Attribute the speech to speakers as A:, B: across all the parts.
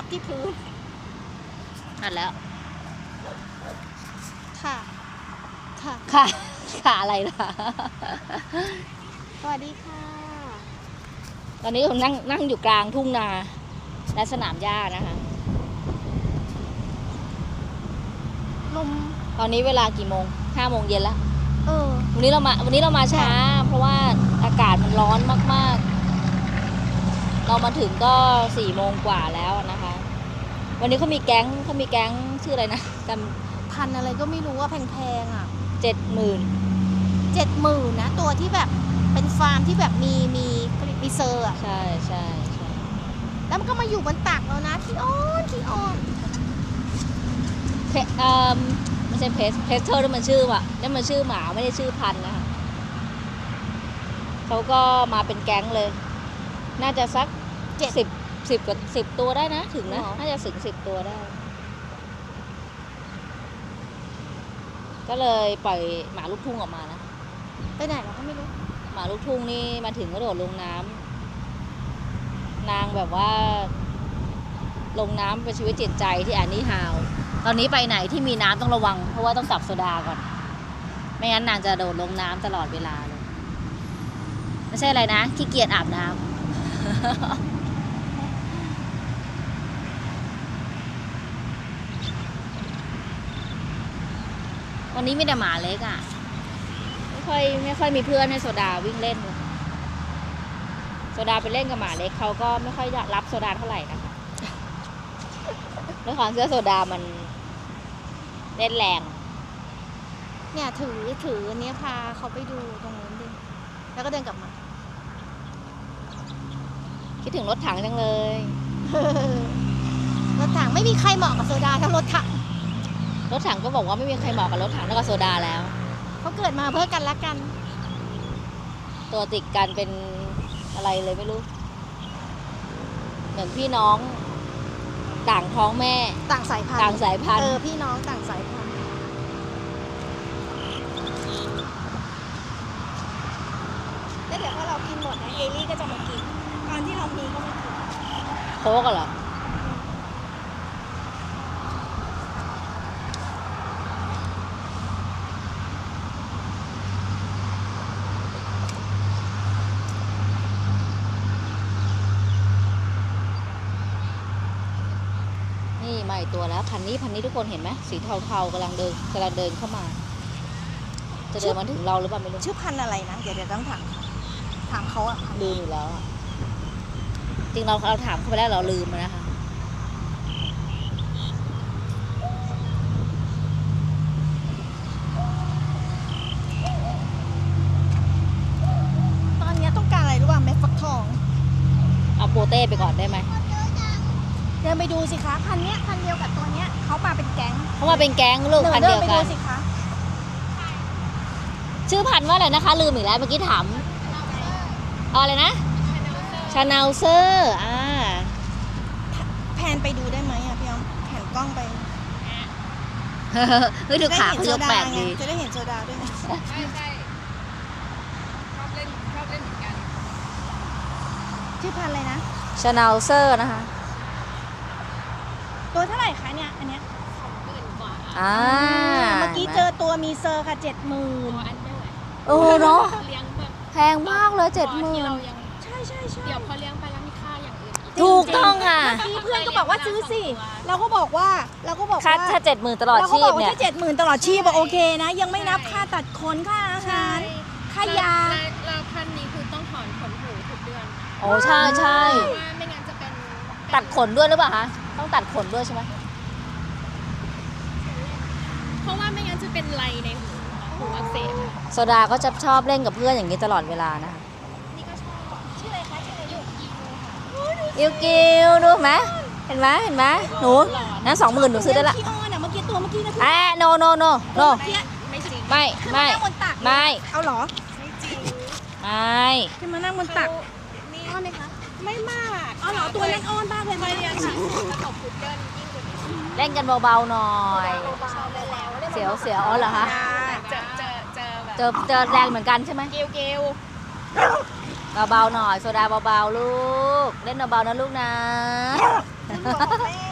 A: ที่พื้น
B: นั่นแล้ว
A: ค่ะ
B: ค่ะอะไรล่ะ
A: สวัสดีค่ะ
B: ตอนนี้ผมนั่งอยู่กลางทุ่งนาและสนามหญ้านะคะ
A: ลม
B: ตอนนี้เวลากี่โมง5 โมงเย็นแล้ววันนี้เรามาช้าเพราะว่าอากาศมันร้อนมากๆเรามาถึงก็4 โมงกว่าแล้วนะคะวันนี้เขามีแก๊งชื่ออะไรนะ
A: พันอะไรก็ไม่รู้ว่าแพงๆอ่ะ
B: 70,000
A: นะตัวที่แบบเป็นฟาร์มที่แบบมีเซอร์อ่ะ
B: ใช่
A: แล้วมันก็มาอยู่บนตักแล้วนะขี้อ้อน
B: ไม่ใช่เพสเทอร์นั่นมันชื่อว่ะนั่นมันชื่อหมาไม่ได้ชื่อพันธุ์นะคะเขาก็มาเป็นแก๊งเลยน่าจะสัก10 ตัวได้นะถึงนะน่าจะถึง10 ตัวได้ก็เลยปล่อยหมาลูกทุ่งออกมานะ
A: ไปไหนเราก็ไม่รู้
B: หมาลูกทุ่งนี่มาถึงก็โดดลงน้ำนางแบบว่าลงน้ำเป็นชีวิตจิตใจที่แอนนี่ฮาวตอนนี้ไปไหนที่มีน้ำต้องระวังเพราะว่าต้องจับโซดาก่อนไม่งั้นนางจะโดดลงน้ำตลอดเวลาเลยไม่ใช่อะไรนะขี้เกียจอาบน้ำ วันนี้มีแต่หมาเล็กอ่ะไม่ค่อยมีเพื่อนให้โซดาวิ่งเล่นโซดาไปเล่นกับหมาเล็กเขาก็ไม่ค่อยรับโซดาเท่าไหร่นะคะด้วยความเสื้อโซดามันเล่นแรง
A: เนี่ยถือเนี้ยพาเขาไปดูตรงนู้นดิแล้วก็เดินกลับมา
B: คิดถึงรถถังจังเลย
A: รถถังไม่มีใครเหมาะกับโซดาทั้งรถถัง
B: ก็บอกว่าไม่มีใครเหมาะกับรถถังแล้วก็โซดาแล้ว
A: เขาเกิดมาเพื่อกันละกัน
B: ตัวติดกันเป็นอะไรเลยไม่รู้เหมือนพี่น้องต่างท้องแม่
A: ต่างสายพันธุ์พี่น้องต่างสายพันธุ์แล้วเดี๋ยวพอเรากินหมดนะเอลี่ก็จะมากินตอนที่เรามีก็ไม่กิน
B: โค้กเหรอนี่มาอีกตัวแล้วพันนี้ทุกคนเห็นไหมสีเทาๆกำลังเดินเข้ามาจะเดินมาถึงเราหรือเปล่าไม่รู้
A: ชื่อพันอะไรนะเดี๋ยวต้องถามเขาอะ
B: ลืมอยู่แล้วจริงเราถามเขาไปแล้วเราลืมนะคะ
A: ตอนนี้ต้องการอะไรรู้ป่ะเม็ดฟักทอง
B: เอาโปเต้ไปก่อนได้ไหม
A: เดินไปดูสิคะพันเดียวกับตัวเนี้ยเขามาเป็นแก๊ง
B: ลูกพันเดียวกัน
A: เดินไปดูสิคะ
B: ชื่อพันว่าอะไรนะคะลืมอีกแล้วเมื่อกี้ถามอะไรนะชาแนลเซอร์
A: แพนไปดูได้ไหมอะพี่อ้อมแผนกล้องไป
B: เฮ้ยดูขาเขายกแปลกดี
A: จะได้เห็นโซดาด้วยใช่ชอบเล่นเหมือนกันชื่อพันอะไรนะ
B: ชาแนลเซอร์นะคะ
A: ตัวเท่าไหร่คะเนี่ยอันเนี้ย
B: 20,000 กว่า
A: เมื่อกี้เจอตัวมีเซอร์ค่ะ70,000
B: เนาะแพงมากเลย70,000
A: ใช่
C: เดี๋ยวพอเลี้ยงไปแล้วมีค่าอย่างอื่น
B: ถูกต้องค่ะ
A: เมื่อกี้เพื่อนก็บอกว่าซื้อสิเราก็บอกว่า
B: ค่า70,000ตลอดชีพเนี่ย
A: 70,000ตลอดชีพโอเคนะยังไม่นับค่าตัดขนค่าอาหารค่ายา
C: แล้วพันนี้คือต้องถอนขนหูทุกเดือน
B: โอ้ใช่
C: ว่าไม่งั้นจะเป็น
B: ตัดขนด้วยหรือเปล่าคะต้องตัดขนด้วยใช่ไหม
C: เพราะว่าไม่งั้นจะเป็นไรในหูอักเสบ
B: โซดาก็จะชอบเล่นกับเพื่อนอย่างนี้ตลอดเวลานะคะ
C: นี่ก็ชอบชื่ออะไรคะ
B: ยูกิวดูไหมเห็นไหมหนูนั้น20,000หนูซื้อได้ละ
A: เมื่อกี้ตัวเมื่อกี้นะ
B: โน
C: ไม่จริง
B: ไม่
A: เอาหรอ
C: ไม่จริง
B: ไม่
A: ขึ้นมานั่งบนตัก
C: อ้อนไหมคะไม่มาก
A: เอาหรอตัวเล่นอ้อนบ้างเลย
C: ไปเรียนค่ะตบพุดเดิ้ลยิ่งกว่านี้
B: เล่นกันเบาๆหน่อยเสียวอ๋อเหรอคะเจอแรงเหมือนกันใช่ไหม
C: เกล
B: เบาๆหน่อยโซดาเบาๆลูกเล่นเบาๆนะลูกนะ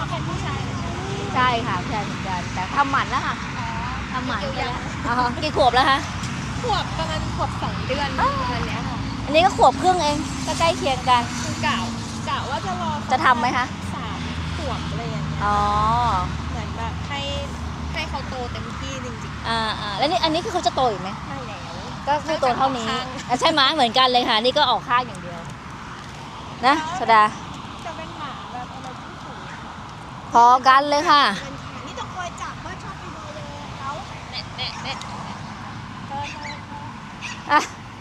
C: เป็นผู้ชายเหรอ
B: ใช่ค่ะใช่เหมือนกันแต่ทำหมันแล้วค่ะ
C: อ๋อ
B: ทำหมันไปแล้วอ๋อกี่ขวบแล้วคะ
C: ขวบประมาณขวบ2 เดือนประมาณเนี้ยค่ะ
B: อันนี้ก็ขวบครึ่งเองก็ใกล้เคียงกัน
C: คือกะว่าจะรอ
B: จะทำไหมคะ
C: 3 ขวบอะไรอย่างเงี้ย
B: อ๋อ
C: เหมือนแบบให้เขาโตเต็มที่จริง
B: แล้วนี่อันนี้คือเขาจะโตอีกไหม
C: ๆใช่แล้ว
B: ก็คือโตเท่านี้
C: ข้าง
B: ใช่ไหมเหมือนกันเลยค่ะ นี่ก็ออกข้างอย่างเดียว นะสดา
C: จะเป็นหมาแบบอะไรที่สูง
B: พอกันเลยค่ะ
C: นี่ต้องคอยจับว่าชอบไปดูเลยเขาเน็ต
B: อ่ะ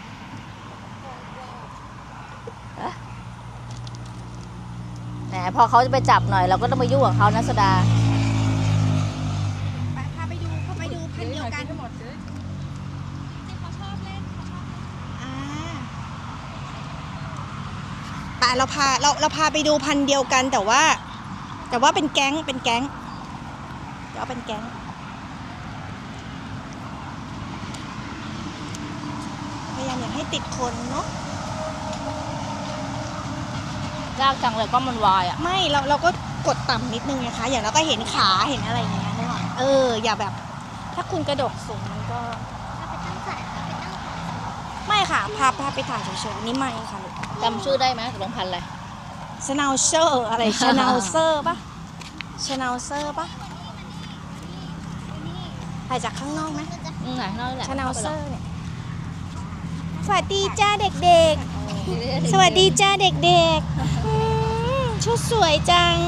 B: แหมพอเขาจะไปจับหน่อยเราก็ต้องไปยุ่งกับเขานะสดา
A: พาไปดูพันธุ์เดียวกัน
C: เขาชอบเล่น
A: อ่าป่ะเราพาไปดูพันธุ์เดียวกันแต่ว่าเป็นแก๊งเดี๋ยวเป็นแก๊งพยายามอยากให้ติดคนเนาะ
B: ยากจังเลยก็มันวายอ่ะ
A: ไม่เราก็กดต่ำนิดนึงนะคะ อย่างเราก็เห็นขาเห็นอะไรอย่างเงี้ยนึกออกอย่าแบบ ถ้าคุณกระโดดสูงมันก็ไม่ค่ะพาไปถ่ายเฉยๆนี่ไม่ค่ะลูก
B: จำชื่อได้ไหมตกลงพันธุ์อะไร
A: ชนาเซอร์อะไร ชนาเซอร์ปะชนาเซอร์ปะถ่ายจากข้างนอกไหม
B: ไหนนั่นแหละ
A: ชนาเซอร์เนี่ยสวัสดีจ้าเด็กๆ สวัสดีจ้าเด็กๆชุดสวยจัง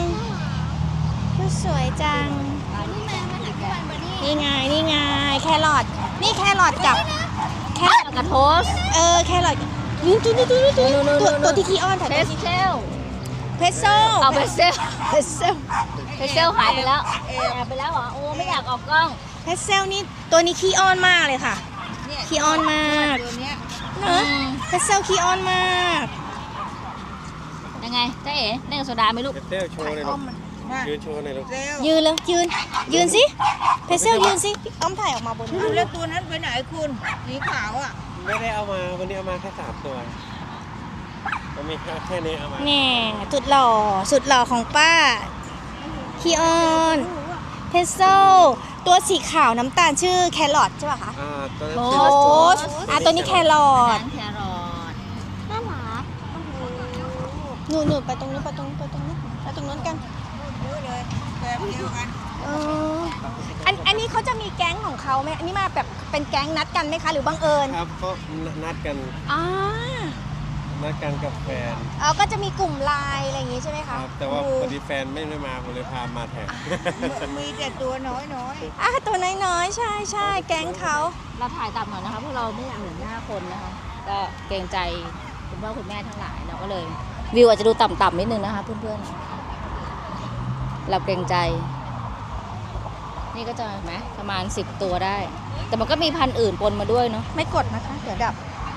A: นี่ไงแครอทนี่แครอทกับแครอท
B: กระโทส
A: แครอทยืนตัวที่ขี้อ้อนถ่าย
B: เพ
A: ตัว
B: ส
A: ที่
B: เซล
A: เพสโซ
B: เอาเพสเซล
A: เพสโซ
B: เพสเซลหายไปแล้วหายไปแล้วเหรอโอ้ไม่อยากออกกล้อง
A: เพสเซลนี่ตัวนี้ขี้อ้อนมากเลยค่ะขี้อ้อนมากเนอะเพสเซลขี้อ้อนมาก
B: ยังไงเจ๊เอ๋เล่นกับโซดาไหมลูก
D: เต้โชว์หน่อยลูกยืนโชว์หน่อยลูก
A: ยืนแล้วยืนสิเพสเซลยืนสิอ้อมถ่ายออกมาบน
E: แล้วตัวนั้นไปไหนคุณสีขาวอ่ะ
D: ไม่ได้เอามาวันนี้เอามาแค่3 ตัวมันมีแค่นี้เอามา
A: แน่สุดหล่อของป้าขี้อ้อนเพสเซลตัวสีขาวน้ำตาลชื่อแครอทใช่ป่ะคะ
D: ตัวนั้น
A: โอ้
D: ชื่อว่าโชว์
A: ตัวนี้แครอท
B: แครอท
A: น่ารักหนูไปตรงนู้นไปตรงนู้นกัน
E: เยอะเลยแบบเดียวกัน
A: อันนี้เขาจะมีแก๊งของเขาไหมอันนี้มาแบบเป็นแก๊งนัดกันไหมคะหรือบังเอิญ
D: ครับก็นัดกัน
A: อ่า
D: กับแฟน
A: ก็จะมีกลุ่มไลน์อะไรอย่างงี้ใช่ไหม
D: ค
A: คะ
D: รับแต่ว่าพอดีแฟนไม่ได้มาผมเลยพามาแทน
E: มีแต่ตัวน้อย
A: ตัวน้อยๆใช่แก๊งเขา
B: เราถ่ายต่ำหน่อยนะคะเพราะเราไม่อยากเห็นหน้าคนนะคะก็เกรงใจคุณพ่อคุณแม่ทั้งหลายเราก็เลย วิวอาจจะดูต่ำๆนิดนึงนะคะเพื่อนๆเราเกรงใจ นี่ก็จะเห็นไหมประมาณ10 ตัวได้ แต่มันก็มีพันธุ์อื่นปนมาด้วยเนาะ
A: ไม่กดนะคะเดี๋ยวดับ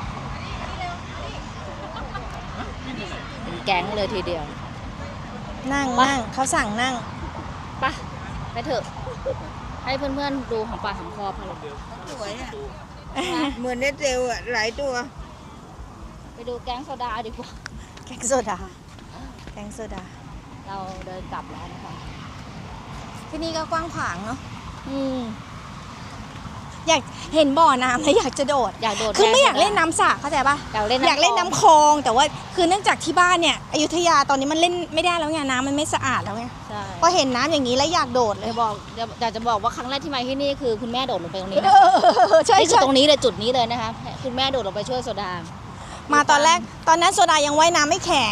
B: เป็นแก๊งเลยทีเดียว
A: นั่งเขาสั่งนั่ง
B: ไปเถอะ ให้เพื่อนๆดูของปากของคอพอแล้ว
E: ๆสวยอ่ะ เหมือนเนตเซลอ่ะ หลายตัว
B: ไปดูแก๊งโซดาดีกว่า
A: แก๊งโซดา
B: เราเดินกลับแล้วนะคะ
A: ที่นี่ก็กว้างขวางเนาะ
B: อืม
A: อยากเห็นบ่อน้ำแล้วอยากจะโดด
B: อยากโดด
A: คือไม่อยาก
B: แรง
A: เล่นน้ำสระเข้าใจปะ
B: อยากเล่น
A: อยากเล่นน้ำคลองแต่ว่าคือเนื่องจากที่บ้านเนี่ยอยุธยาตอนนี้มันเล่นไม่ได้แล้วไงน้ำมันไม่สะอาดแล้วไง
B: ใช่
A: พอเห็นน้ำอย่างนี้แล้วอยากโดดเลย
B: อยากจะบอกว่าครั้งแรกที่มาที่นี่คือคุณแม่โดดลงไปตรงนี้นะ
A: ใช่
B: นี่คือ
A: ใช่
B: ตรงนี้เลยจุดนี้เลยนะคะคุณแม่โดดลงไปช่วยโซดา
A: มาตอนแรกตอนนั้นโซดายังว่ายน้ำไม่แข็ง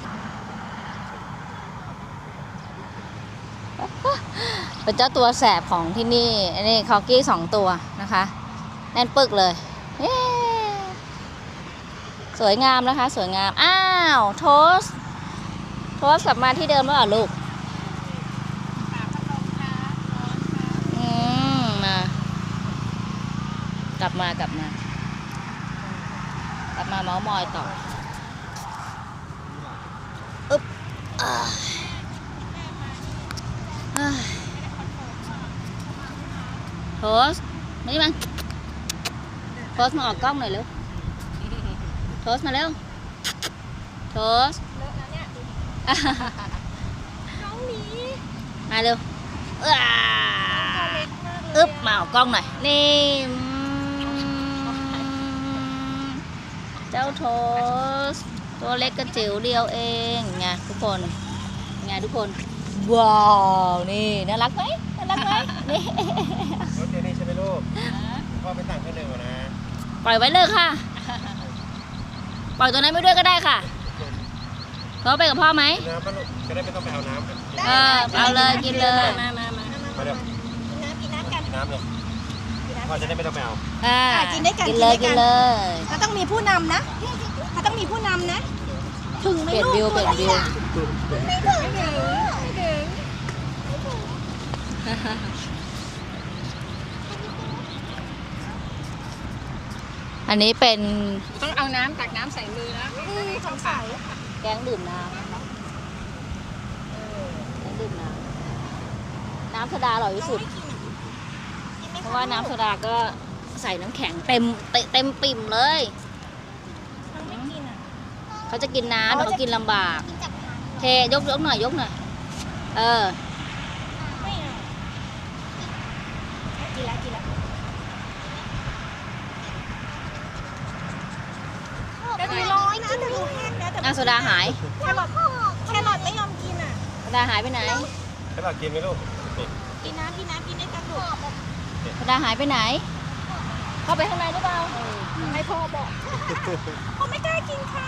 B: เป็นเจ้าตัวแสบของที่นี่อันนี้คอกี้2 ตัวนะคะแน่นปึกเลยเย้สวยงามนะคะ สวยงามอ้าวโทสกลับมาที่เดิมแล้วเหรอลูกมากลับมาเมาส์มอยต่ออึ๊บโทสมานี่มันโทสมาออกกล้องหน่อยเร็วโทสมาเร็วโทส
C: น้องหมี
B: มาเร็วอึ๊บมาเอากล้องหน่อยนี่เจ้าโทสตัวเล็กกระจิ๋วเดียวเองไงทุกคนไงทุกคนว้าวนี่น่ารักไหมน่ารักไหมนี่
D: รถเจนี่ใช่ไหมลูกพ่อไปสั่งเครื่องดื่มก่อนนะ
B: ปล่อยไว้เลยค่ะ ปล่อยตัวนั้นไปด้วยก็ได้ค่ะเขาไปกับพ่อไหม
D: น้ำป่ะลูกจะได้ไม่ต้องไปเอาน้ำกัน
B: เอาเลยกินเลย
C: มา
D: มาเดี๋ยว
A: กินน้ำกัน
D: กินน้ำเลยพ่อจะได้ไม่ต้องไปเอา
A: กินด้วยกัน
B: กินเลย
A: กิ
B: กิ
A: น
B: น
A: ด้วยกัน
B: เลย
A: เขาต้องมีผู้นำนะเขาต้องมีผู้นำนะ ถึงไหม
B: เปลี่ยน
A: ลูก
B: วิวเปลี่ยนวิว
A: ไม่ถึง
B: อันนี้เป็น
C: ต้องเอาน้ำตักน้ำใส่มือนะ
A: สงสัย
B: แกงดื่มน้ำแกงดื่มน้ำน้ำโซดาอร่อยที่สุด เพราะว่าน้ำโซดาก็ใส่น้ำแข็งเต็มปิ่มเลย
A: มันไม่กินอ่ะ
B: เขาจะกินน้ำแต่เขากินลำบาก เทยกหน่อยยกหน่อย
A: ไม่เอากินแล้วแต่ดูร้อยนะแต่ดูแห้งนะแต่
B: โซดาหาย
A: แครอทไม่ยอมกินอ่ะ
B: โซดาหายไปไหน
D: ให้เรากินไหมลูกนี่
A: กินน้ำกินได้กันลูก
B: โซดาหายไปไหน เข้าไปข้างในหรือเปล่า
A: ให้พ่อบอกพ่อไม่กล้ากินครับ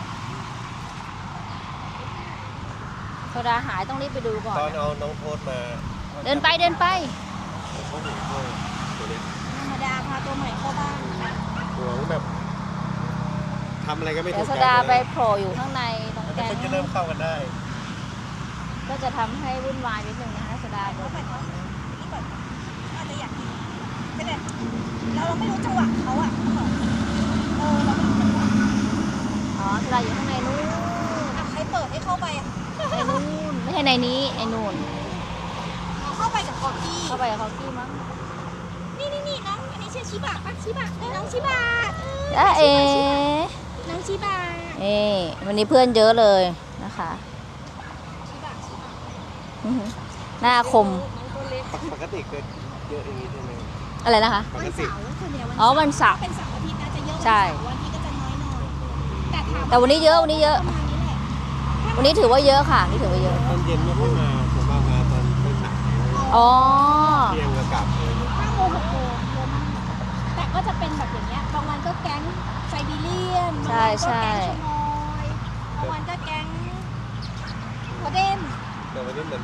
B: โซดาหายต้องรีบไปดูก่อน
D: ตอนเอาน้องโทษมา
B: เดินไป
D: เขาหนีตัวเล็ก
A: ธรรมดาพาตัวใหม่เข้าบ้าน
D: ห่วงแบบทำอะไรก็ไม่
B: เดี๋
D: ถู
B: ยว
D: ก
B: โซ
D: ใจ
B: ดาไป
D: เลย
B: โผล่อยู่ข้างในตรง
D: แล้ว
B: แกง
D: เพิ่งจะเริ่มเข้ากันได้
B: ก็จะทำให้วุ่นวายนิดนึงนะคะโซดาบอก
A: นี่ก่อนอาจจะอยากกินไม่ได้เราไม่รู้จังหวะเขาอ่ะเราไม่รู้จังหวะ
B: อ๋อโซดาอยู่ข้างในนู้น
A: ใครเปิดให้เข้าไปอ่ะ
B: ในนู้นไม่ใช่ในนี้ในนู่น
A: เข้าไปกับคอกี้
B: เข้าไปกับเขากี้มั้ง
A: นี่น้องอันนี้ชื่อชิบะปะชิบะน้องชิบะ
B: เอ๋
A: น้องชิบะ
B: วันนี้เพื่อนเยอะเลยนะคะ
A: ชิบะ
B: อื้อหือหน้าคม
D: ปกติเกิดเยอะอย่างนี้ใช่ไหม
B: อะไรนะคะ
D: ป
A: วัน
D: กติ
A: เสาร์ส่วนใหญ่
B: อ๋อวันเสาร์
A: เป็นเสาร์อาทิตย์นะจะเยอะ
B: ใช่
A: วันที่ก็จะน้อยหน่อยแต่ถาม
B: แต่วันนี้เยอะวันนี้เยอะ
A: ประมาณนี้แหละ
B: วันนี้ถือว่าเยอะค่ะนี่ถือว่าเยอะ
D: ตอนเย็นไม่ค่อยมาผมมากมาตอนสาย
B: อ๋อ
D: เที่ยงก็กลับเลย
A: 5 โมง 6 โมงเยอะมากแต่ก็จะเป็นแบบอย่างเงี้ยบางวันก็แก๊งไซบีเรียนบางวันก็แก๊งชมอยบางวันก็แก๊งโคเดน
D: แต่วันนี้เหมือน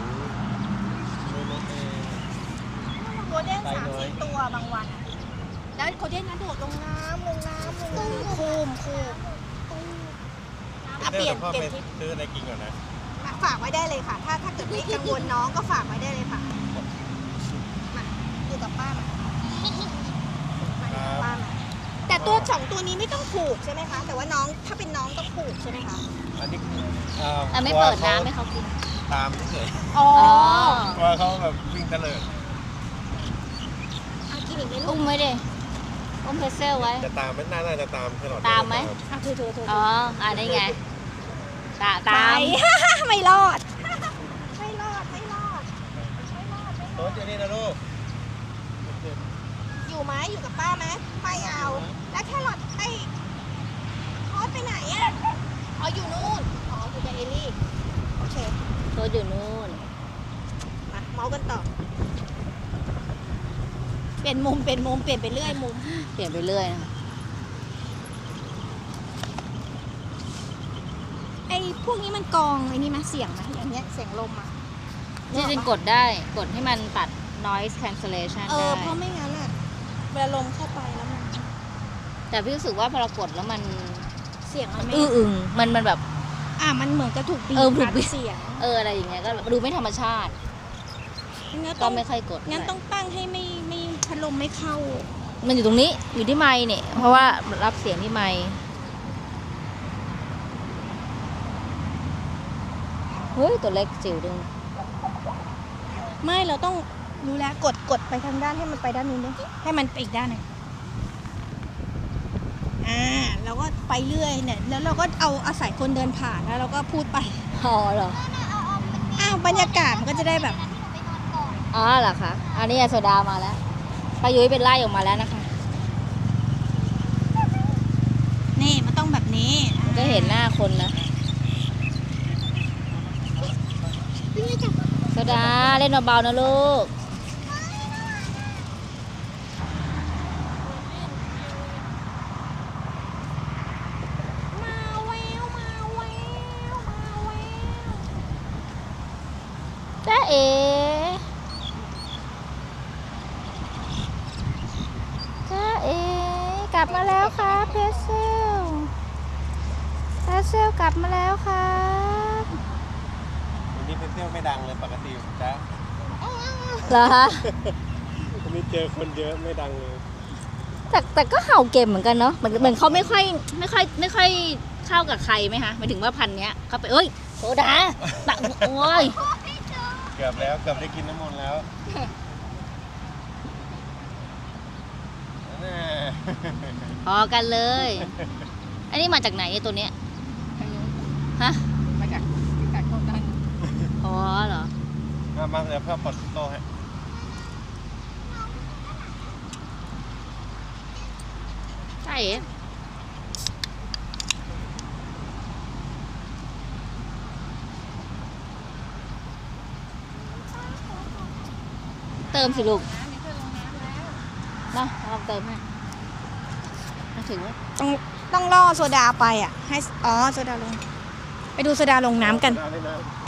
A: โคเดน3-4 ตัวบางวันอะแล้วโคเดนนั้นโดดลงน้ำคูมเปลี่ยน
D: พ่อไป
A: ทิศ
D: ซื้ออะไรกินก่อนนะ
A: ฝากไว้ได้เลยค่ะ ถ้าเกิดไม่กังวลน้องก็ฝากไว้ได้เลยค่ะมาอยู่กับป้ามาป้ามาแต่ตัว2 ตัวนี้ไม่ต้องผูกใช่ไหมคะ แต่ว่าน้องถ้าเป็นน้องต้องผูกใช่ไหมคะ
D: อันนี้
B: แต่ไม่เปิดน้ำให้เขากิน
D: ตามเฉย
A: อ๋อ
D: กลัวเขาแบบวิ่งเตลิด
A: กินอีกไหมลู
B: อุ้
A: ก
B: มไว้ดิอุ้มเพรสเซลไว้
D: จะตามไม่น่าจะตามตลอด
B: ตามไหม
A: ถือ
B: อ๋ออันนี้ไงตาม
A: ไม่รอด
D: โต๊ะเจนี่นะลูก
A: อยู่ไหมอยู่กับป้าไหมไม่เอา แล้วแครอทไอ้คอสไปไหนอ่ะอ๋ออยู่นู่นอ๋ออยู่กับเอลลี่โอเค
B: ตัวอยู่นู่น
A: มาเมาส์กันต่อเปลี่ยนมุมเปลี่ยนไปเรื่อยมุม
B: เปลี่ยนไปเรื่อยนะคะ
A: ไอ้พวกนี้มันกรองไอ้นี่มาเสียงไหมอย่างเงี้ยเสียงลมอ่ะ
B: จริงๆกดได้กดให้มันตัด noise cancellation ได้
A: เพราะไม่งั้นอ่ะเวลาลมเข้าไปแล้วมัน
B: แต่พี่รู้สึกว่าพอเรากดแล้วมัน
A: เสียงมันไม่
B: อึ้งมันแบบ
A: มันเหมือนกระถูกบีบ
B: ถูกบีบ
A: เสียง
B: อะไรอย่างเงี้ยก็ดูไม่ธรรมชาติ
A: งั้น
B: ก็
A: ต้อง
B: ไม่ค่อยกด
A: งั้นต้องตั้งให้ไม่พัดลมไม่เข้า
B: มันอยู่ตรงนี้อยู่ที่ไมค์เนี่ยเพราะว่ารับเสียงที่ไมค์เฮ้ยตัวเล็กจิ๋วดึง
A: ไม่เราต้องรู้แล้วกดไปทางด้านให้มันไปด้านนู้นด้วยให้มันไปอีกด้านหนึ่งเราก็ไปเรื่อยเนี่ยแล้วเราก็เอาอาศัยคนเดินผ่านแล้วเราก็พูดไป
B: พอเหรอ
A: บรรยากาศมันก็จะได้แบบ
B: อ๋อเหรอคะอันนี้โซดามาแล้วป้ายุ้ยเป็นไล่ออกมาแล้วนะคะ
A: นี่มันต้องแบบนี้
B: มันก็เห็นหน้าคนนะโซดาเล่นเบาๆนะลูกจ้าเอ๋จ้าเอ๋กลับมาแล้วครับเพเซลกลับมาแล้วครับ
D: วันนี้เพนเซลไม่ดังเลยปกติจ้ะ
B: เหรอคะ
D: วันนี้เจอคนเยอะไม่ดังเลย
B: แต่ก็เห่าเก่งเหมือนกันเนาะเหมือนเขาไม่ค่อยเข้ากับใครไหมคะหมายถึงว่าพันธุ์เนี้ยเขาไปเอ้ยโซดาตักโอ้ย
D: เกือบได้กินน้ำมนต์แล้วน่า
B: พอกันเลย อันนี้มาจากไหนไอ้ตัวเนี้ยฮะ
E: มาจากพิกัดของนั้น
B: อ๋อเหรอ
D: มาเดี๋ยวเพื่อปลดโตให้
B: ใช่เติมสิลูกนะลองเติมให้มาถึงแล้ว
A: ต้องล่อโซดาไปอ่ะให้โซดาลง ไปดูโซดาลงน้ำกัน
D: ได้นะ